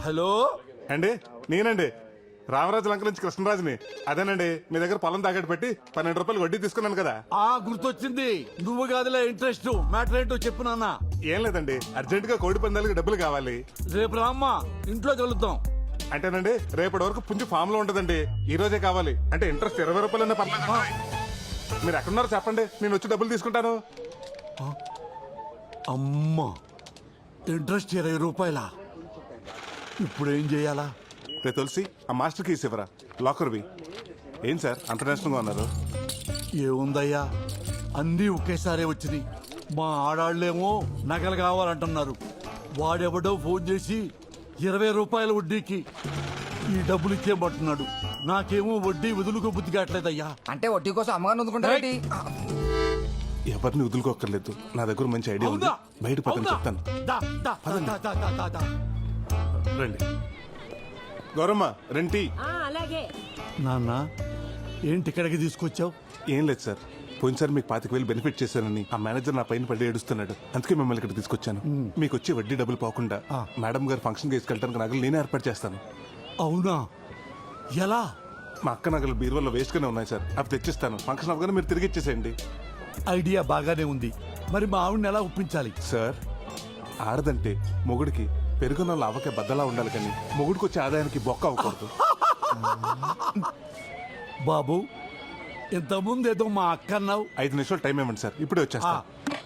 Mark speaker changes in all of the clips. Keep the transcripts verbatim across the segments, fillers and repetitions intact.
Speaker 1: Hello
Speaker 2: అండి నేనండి రామరాజు లంక నుంచి కృష్ణరాజుని. అదేనండి మీ దగ్గర పొలం తాకట్టు పెట్టి పన్నెండు రూపాయలు వడ్డీ తీసుకున్నాను కదా.
Speaker 1: ఆ గుర్తొచ్చింది, నువ్వు కాదులే ఇంట్రెస్ట్. మ్యాటర్ ఏంటో చెప్పు నాన్న.
Speaker 2: ఏం లేదండి, అర్జెంట్ గా కోడి పందాలకి డబ్బులు కావాలి.
Speaker 1: రేపు రామ్మా, ఇంట్లో కలుద్దాం.
Speaker 2: అంటేనండి రేపటి వరకు పుంజు ఫామ్ లో ఉంటదండి, ఈ రోజే కావాలి. అంటే ఇంట్రెస్ట్ ఇరవై రూపాయలు పర్లేదు. మీరు ఎక్కడున్నారో చెప్పండి, నేను వచ్చి డబ్బులు తీసుకుంటాను.
Speaker 1: అమ్మా, ఇంట్రెస్ట్ ఇరవై రూపాయలా? ఇప్పుడు ఏం చేయాలా?
Speaker 2: రే తులసి, ఆ మాస్టర్ కీస్ ఇవ్వరా, లాకర్వి. ఏం సార్ అంత నేషనల్గా ఉన్నారు?
Speaker 1: ఏముందయ్యా, అన్నీ ఒకేసారి వచ్చినాయి. మా ఆడాళ్ళేమో నగలు కావాలంటున్నారు. వాడెవడో ఫోన్ చేసి ఇరవై రూపాయల వడ్డీకి ఈ డబ్బులు ఇచ్చేయమంటున్నాడు. నాకేమో వడ్డీ వదులుకో బుద్ధి కావట్లేదయ్యా.
Speaker 3: అంటే వడ్డీ కోసం అమ్మగారు వదులుకుంటారేంటి?
Speaker 2: ఎవరిని వదులుకోక్కర్లేదు, నా దగ్గర మంచి ఐడియా ఉంది. బయట పక్కన చెప్తాను.
Speaker 1: దా, దా, దా, దా, దా, దా, దా.
Speaker 2: రండి గౌరమ్మ, రెంటి.
Speaker 1: నాన్న, ఏంటి ఇక్కడికి తీసుకొచ్చావు?
Speaker 2: ఏం లేదు సార్, పోయినసారి మీకు పాతిక వేలు బెనిఫిట్ చేశానని ఆ మేనేజర్ నా పైన పడి ఏడుస్తున్నాడు. అందుకే మిమ్మల్ని ఇక్కడ తీసుకొచ్చాను. మీకు వచ్చి వడ్డీ డబ్బులు పోకుండా మేడం గారు ఫంక్షన్ తీసుకెళ్ళడానికి నగలు నేనే ఏర్పాటు చేస్తాను.
Speaker 1: అవునా? ఎలా?
Speaker 2: మా అక్క నగలు బీరువాలో వేస్ట్ గానే ఉన్నాయి సార్, అవి తెచ్చిస్తాను. ఫంక్షన్ అవగానే మీరు తిరిగి ఇచ్చేసేయండి.
Speaker 1: ఐడియా బాగానే ఉంది, మరి మా ఆవిడని ఎలా ఒప్పించాలి?
Speaker 2: సార్, ఆడదంటే మొగుడికి పెరుగున్న లావకే బద్దలా ఉండాలి, కానీ మొగుడికి వచ్చే ఆదాయానికి బొక్క అవ్వకూడదు.
Speaker 1: బాబు, ఇంతకుముందు ఏదో మా అక్క అన్నావు.
Speaker 2: ఐదు నిమిషాలు టైం ఇవ్వండి సార్, ఇప్పుడే వచ్చేస్తా.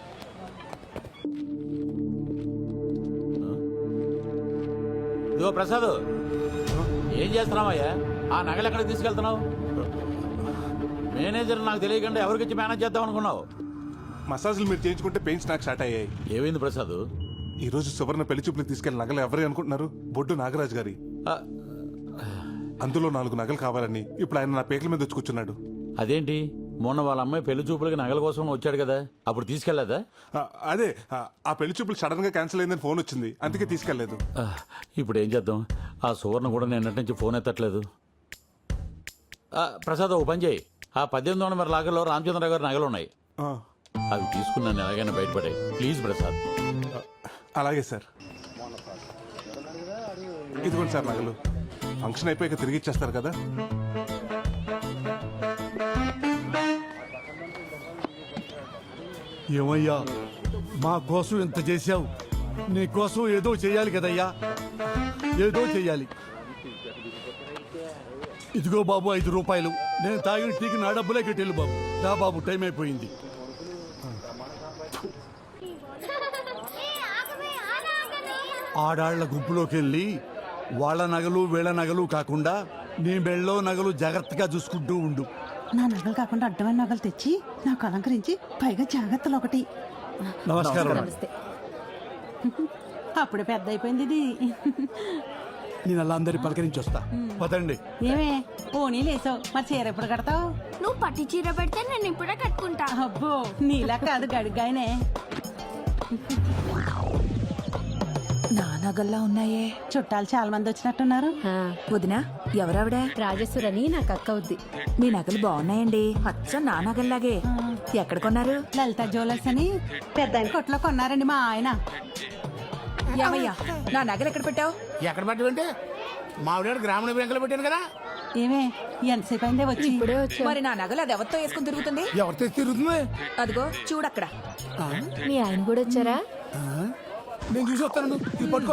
Speaker 4: ఇదిగో ప్రసాద్, ఏం చేస్తున్నావయ్యా? ఆ నగలు ఎక్కడికి తీసుకెళ్తున్నావు? మేనేజర్ నాకు తెలియకుండా ఎవరికిచ్చి మేనేజ్ చేద్దాం అనుకున్నావు?
Speaker 2: మసాజ్లు మీరు చేయించుకుంటే పెయిన్స్ నాకు స్టార్ట్ అయ్యాయి.
Speaker 4: ఏమైంది ప్రసాద్?
Speaker 2: ఈ రోజు సువర్ణ పెళ్లి చూపులకు తీసుకెళ్లిన నగలు ఎవరే అనుకుంటున్నారు? బొడ్డు నాగరాజు గారి. అందులో నాలుగు నగలు కావాలని ఇప్పుడు ఆయన నా పేకల మీద వచ్చి కూర్చున్నాడు.
Speaker 4: అదేంటి, మొన్న వాళ్ళ అమ్మాయి పెళ్లి చూపులకి నగల కోసం వచ్చాడు కదా, అప్పుడు తీసుకెళ్లేదా?
Speaker 2: ఆ, అదే ఆ, ఆ పెళ్లి చూపులు సడన్ గా క్యాన్సిల్ అయిందని ఫోన్ వచ్చింది, అందుకే తీసుకెళ్లేదు.
Speaker 4: ఆ, ఇప్పుడు ఏం చేద్దాం? ఆ సువర్ణ కూడా నేను నుంచి ఫోన్ ఎత్తట్లేదు. ఆ, ప్రసాద్, ఓ పని చేయి, ఆ పద్దెనిమిది వందల మరి లాగర్లో రామచంద్రరావు గారి నగలు ఉన్నాయి,
Speaker 2: ఆ,
Speaker 4: అవి తీసుకున్నాను ఎలాగైనా బయటపడే ప్లీజ్ ప్రసాద్.
Speaker 2: అలాగే సార్. ఇదిగోండి సార్ నగలు, ఫంక్షన్ అయిపోయాక తిరిగి ఇచ్చేస్తారు కదా.
Speaker 1: ఏమయ్యా, మా కోసం ఇంత చేశావు, నీ కోసం ఏదో చెయ్యాలి కదయ్యా, ఏదో చెయ్యాలి. ఇదిగో బాబు ఐదు రూపాయలు, నేను తాగిన టీకి నా డబ్బులే కట్టేళ్ళు బాబు. రా బాబు, టైం అయిపోయింది. ఆడాళ్ల గుంపులోకి వెళ్ళి వాళ్ళ నగలు వీళ్ళ నగలు కాకుండా నీ మెళ్ళో నగలు జాగ్రత్తగా చూసుకుంటూ ఉండు.
Speaker 5: నా నగలు కాకుండా అడ్డమైన నగలు తెచ్చి నాకు అలంకరించి పైగా జాగ్రత్తలు ఒకటి.
Speaker 1: నమస్కారం.
Speaker 5: అప్పుడే పెద్ద అయిపోయింది ఇది.
Speaker 1: నేను అలా అందరి పలకరించి వస్తా, పదండి.
Speaker 5: ఏమే పోనీ లేసావు, మరి చీర ఎప్పుడు కడతావు?
Speaker 6: నువ్వు పట్టి చీర పెడితే నేను ఇప్పుడే కట్టుకుంటా.
Speaker 5: అబ్బో, నీలా కాదు గడుగ్గాయనే.
Speaker 7: నా నగల్లా ఉన్నాయే.
Speaker 5: చుట్టాలు చాలా మంది వచ్చినట్టున్నారు.
Speaker 7: వదినా, ఎవరావిడ?
Speaker 6: రాజేశ్వరని నాకు అక్క అవుద్ది.
Speaker 7: మీ నగలు బాగున్నాయండి, అచ్చం నా నగల్లాగే. ఎక్కడ కొన్నారు?
Speaker 5: లలిత జ్యువెలర్స్ అని పెద్ద ఆయన కొట్లో కొన్నారండి మా ఆయన.
Speaker 7: ఏమయ్యా, నా నగలు ఎక్కడ పెట్టావు?
Speaker 8: ఎక్కడ పెట్టమంటే మావిడ గ్రామీణ బ్యాంకులో పెట్టాను కదా.
Speaker 5: ఏమే ఎంతసేపు అయిందే వచ్చి?
Speaker 6: ఇప్పుడే వచ్చా.
Speaker 7: మరి నా నగలు అది ఎవరితో వేసుకుని తిరుగుతుంది?
Speaker 8: ఎవరితో తిరుగుతుంది?
Speaker 7: అదిగో చూడక్కడ.
Speaker 6: మీ ఆయన కూడా వచ్చారా?
Speaker 8: నేను చూసి వస్తాను, ఇది పట్టుకో.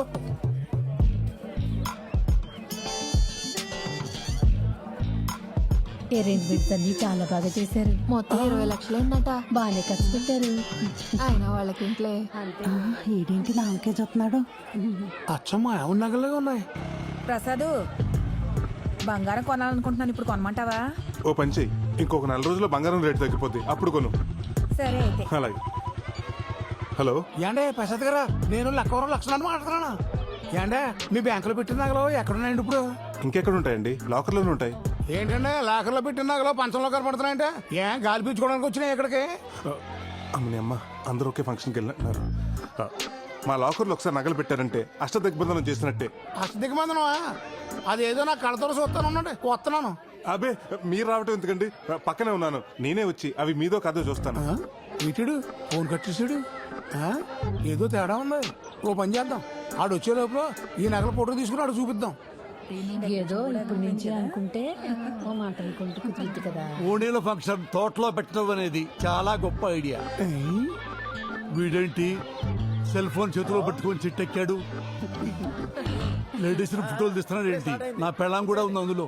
Speaker 6: అరేంజ్మెంట్స్ అన్ని చాలా బాగా చేశారు. మొత్తం ఇరవై లక్షలు అయిందట. బాగానే ఖర్చు పెట్టారు. ఆయన వాళ్ళకి ఇంట్లో
Speaker 5: ఏడేంటి నాకే చూస్తున్నాడు?
Speaker 8: అచ్చమ్మా, ఎవరి నగలుగా ఉన్నాయి.
Speaker 7: ప్రసాదు, బంగారం కొనాలనుకుంటున్నాను, ఇప్పుడు కొనమంటావా?
Speaker 2: ఓ పంచి, ఇంకొక నెల రోజుల్లో బంగారం రేటు తగ్గిపోద్ది, అప్పుడు కొను.
Speaker 7: సరే అయితే.
Speaker 2: అలాగే. హలో
Speaker 8: ఏండే ప్రసాద్ గారా, నేను లక్కవరం లక్షణాలు మాట్లాడుతున్నాను. ఏండే మీ బ్యాంకులో పెట్టిన నగలు ఎక్కడున్నాయండి ఇప్పుడు?
Speaker 2: ఇంకెక్కడ ఉంటాయండి, లాకర్లోనే ఉంటాయి.
Speaker 8: ఏంటంటే లాకర్లో పెట్టిన నగలు పంచంలో కనపడుతున్నాయంటే ఏం గాలి పీల్చుకోవడానికి వచ్చినాయి ఇక్కడికి?
Speaker 2: అమ్మని అమ్మ, అందరూ ఒకే ఫంక్షన్కి వెళ్ళినట్టున్నారు. మా లాకర్లో ఒకసారి నగలు పెట్టారంటే అష్ట దిగ్బంధనం చేసినట్టే.
Speaker 8: అష్ట దిగ్బంధనమా? అదేదో నా కడతలో చూస్తాను, ఉండండి వస్తున్నాను.
Speaker 2: అబే, మీరు రావటం ఎందుకండి, పక్కనే ఉన్నాను, నేనే వచ్చి అవి మీదో కాదో చూస్తాను.
Speaker 8: ఇటుడు ఫోన్ కట్టేసాడు. ఆ? ఏదో తేడా ఉంది. ఓ పని చేద్దాం, ఆడు వచ్చే లోపల ఈ నగల ఫోటో తీసుకుని ఆడు చూపిద్దాం.
Speaker 6: ఏదో ఇప్పుడు నుంచి అనుకుంటే ఓ మాట అనుకుంటే కుదిరిద్ది కదా.
Speaker 1: ఓణీల ఫంక్షన్ తోటలో పెట్టడం అనేది చాలా గొప్ప ఐడియా.
Speaker 8: ఏయ్,
Speaker 1: వీడేంటి సెల్ ఫోన్ చేతిలో పట్టుకొని చిట్టెక్కాడు? లేడీస్ ఫోటోలు తీస్తున్నాడు ఏంటి? నా పెళ్ళాం కూడా ఉంది అందులో.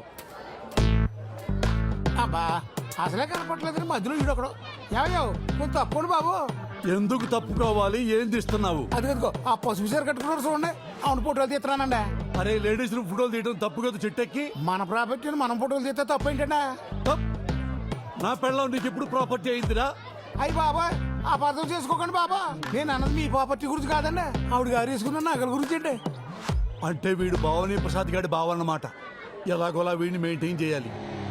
Speaker 8: అబ్బా అసలే కనపట్లేదు మధ్యలో వీడొకడు. ఏమయ్యో కొంత తప్పండి బాబు.
Speaker 1: ఎందుకు తప్పుకోవాలి? ఏం తీస్తున్నావు?
Speaker 8: అది కదుకో ఆ పసుపు చీర కట్టుకున్నారు చూడండి, అవును ఫోటోలు తీస్తున్నానండి.
Speaker 1: అరే లేడీస్ ఫోటోలు తీయడం తప్పు కదా చిట్టెక్కి.
Speaker 8: మన ప్రాపర్టీని మనం ఫోటోలు తీస్తే తప్పు ఏంటంటే?
Speaker 1: తప్. నా పెళ్ళాం నీకు ఎప్పుడు ప్రాపర్టీ అయిందిరా?
Speaker 8: అయ్యి బాబా అపార్థం చేసుకోకండి బాబా, నేను అన్నది మీ ప్రాపర్టీ గురించి కాదండి, ఆవిడ గారు వేసుకున్న నగల గురించి అండి.
Speaker 1: అంటే వీడు భావని ప్రసాద్ గారి భావ అన్నమాట. ఎలాగోలా వీడిని మెయింటైన్ చేయాలి.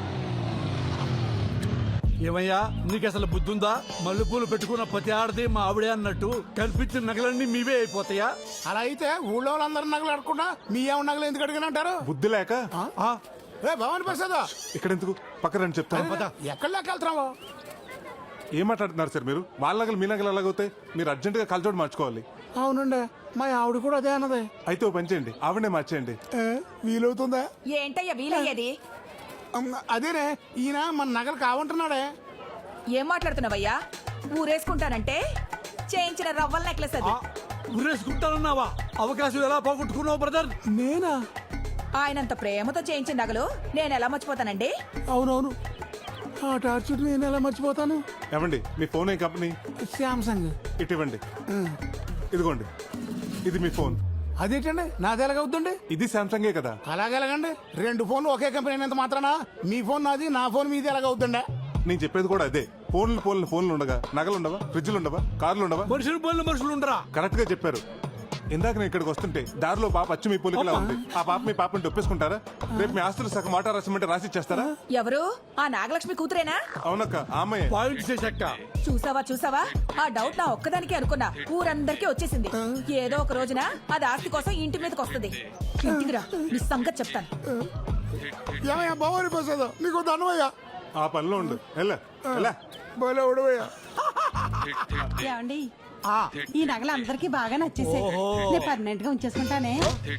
Speaker 1: ఏమయ్యా నీకు అసలు బుద్ధుందా? మల్లెపూలు పెట్టుకున్న ప్రతి ఆడది మా ఆవిడే అన్నట్టు కల్పించిన నగలన్నీ మీవే అయిపోతాయా?
Speaker 8: అలా అయితే ఊళ్ళో వాళ్ళందరూ నగలు అడగకుండా మీ ఏమన్నా నగలు ఎందుకు అడిగిన అంటారు?
Speaker 2: బుద్ధి లేక
Speaker 1: ఆ,
Speaker 8: ఏ భవాని ప్రసాద్
Speaker 2: ఇక్కడ ఎందుకు పక్కన రండి చెప్తాను.
Speaker 1: పద.
Speaker 8: ఎక్కడ లెక్క వెళ్తున్నావు?
Speaker 2: ఏం మాట్లాడుతున్నారు సార్ మీరు? వాళ్ళ నగలు మీ నగలు ఎలాగవుతాయి? మీరు అర్జెంట్ గా కలచోడు మార్చుకోవాలి.
Speaker 8: అవునండి మా ఆవిడ కూడా అదే అన్నది.
Speaker 2: అయితే ఓ పని చేయండి, ఆవిడనే మార్చేయండి.
Speaker 8: ఏ, వీలవుతుందా?
Speaker 7: ఏంటయ్యా వీలయ్యేది?
Speaker 8: అమ్మ, అదేనే ఈయన మన నగలు కావంటున్నాడే.
Speaker 7: ఏం మాట్లాడుతున్నావయ్యా? ఊరేసుకుంటానంటే చేయించిన రవ్వల నెక్లెస్ అది.
Speaker 1: ఆ, ఉరేసుకుంటానన్నావా? అవకాశం ఎలా పోగొట్టుకున్నావు బ్రదర్?
Speaker 8: నేనా?
Speaker 7: ఆయనంత ప్రేమతో చేయించిన నగలు నేను ఎలా మర్చిపోతానండి?
Speaker 8: అవునవును, ఆ టార్చర్ నేను ఎలా మర్చిపోతాను.
Speaker 2: ఏమండి మీ ఫోన్ ఏ కంపెనీ?
Speaker 8: శాంసంగ్.
Speaker 2: ఇటు ఇవ్వండి. ఇదిగోండి, ఇది మీ ఫోన్.
Speaker 8: అదేంటండి నాది ఎలాగవుతుందండి?
Speaker 2: ఇది సామ్సంగే కదా.
Speaker 8: అలాగెలాగండి? రెండు ఫోన్లు ఒకే కంపెనీ అయినంత మాత్రానా మీ ఫోన్ నాది నా ఫోన్ మీది ఎలాగవుతుండే?
Speaker 2: నేను చెప్పేది కూడా అదే. ఫోన్లు ఫోన్లు ఫోన్లు ఉండగా నగలు ఉండవా? ఫ్రిడ్జ్లు ఉండవా? కార్లు ఉండవా?
Speaker 1: మనుషులు పోలిన మనుషులు ఉండరా?
Speaker 2: కరెక్ట్ గా చెప్పారు. ఇందాక నేను ఇక్కడికి వస్తుంటే దారిలో పాప అచ్చు మీ పోలికలా ఉంది. ఆ పాప మీ పాపని ఒప్పేసుకుంటారా? రేపు మీ ఆస్తులు సగం మాట రాసిమంటే రాసి ఇచ్చేస్తారా?
Speaker 7: ఎవరు? ఆ నాగలక్ష్మి కూతురేనా?
Speaker 2: అవునక్క, ఆమె.
Speaker 1: పాయింట్ చేశాక
Speaker 7: చూసావా చూసావా, ఆ డౌట్ నా ఒక్కదానికి అనుకున్నా, ఊరందరికీ వచ్చేసింది. ఏదో ఒక రోజున అది ఆస్తి కోసం ఇంటి మీదకి వస్తుంది. ఇంటికి రా, నీ సంగతి చెప్తాను.
Speaker 8: ఏమయ్యా భవాని ప్రసాద్ నీకు ధనమయ్యా.
Speaker 2: ఆ పనిలో ఉండు. ఎలా ఎలా
Speaker 8: భలే ఉడవయ్యా.
Speaker 5: ఏమండి ఈ నగలు అందరికి బాగా నచ్చేసాయి. నేను పర్మనెంట్ గా ఉంచేసుకుంటానే.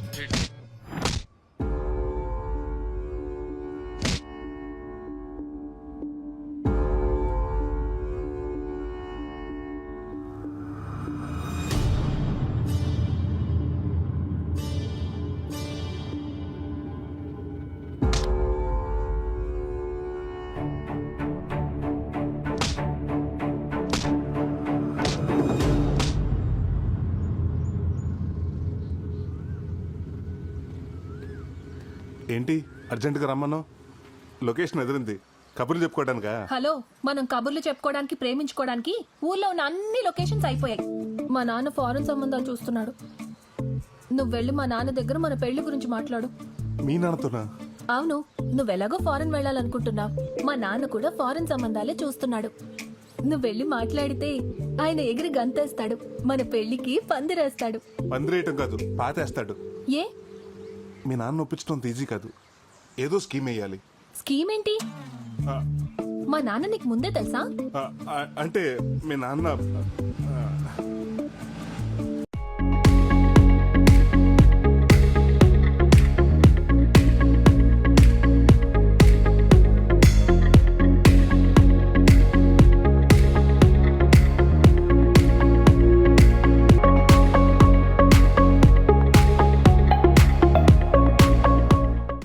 Speaker 2: ఏంటి అర్జెంట్ గా రమ్మను? లొకేషన్ ఎదిరింది. కబుర్లు చెప్పుకోవడానికా?
Speaker 6: హలో, మనం కబుర్లు చెప్పుకోవడానికి ప్రేమించుకోవడానికి ఊర్లో ఉన్న అన్ని లొకేషన్స్ అయిపోయాయి. మా నాన్న ఫారెన్ సంబంధాలు చూస్తున్నాడు. నువ్వు వెళ్ళి మా నాన్న దగ్గర మన పెళ్లి గురించి మాట్లాడు.
Speaker 2: మీ నాన్నతోనా?
Speaker 6: అవును, నువ్వెలాగో ఫారెన్ వెళ్ళాలనుకుంటున్నావు. మా నాన్న కూడా ఫారెన్ సంబంధాలే చూస్తున్నాడు. నువ్వు వెళ్ళి మాట్లాడితే ఆయన ఎగిరి గంతేస్తాడు. మన పెళ్లికి పందిరేస్తాడు.
Speaker 2: పందిరేయటం కాదు, పాతేస్తాడు.
Speaker 6: ఏ
Speaker 2: మీ నాన్న ఒప్పించడం ఈజీ కాదు. ఏదో స్కీమ్ వేయాలి.
Speaker 6: స్కీమ్ ఏంటి?
Speaker 2: ఆ,
Speaker 6: మా నాన్న నీకు ముందే తెలుసా?
Speaker 2: ఆ, ఆ, అంటే మీ నాన్న ఆ,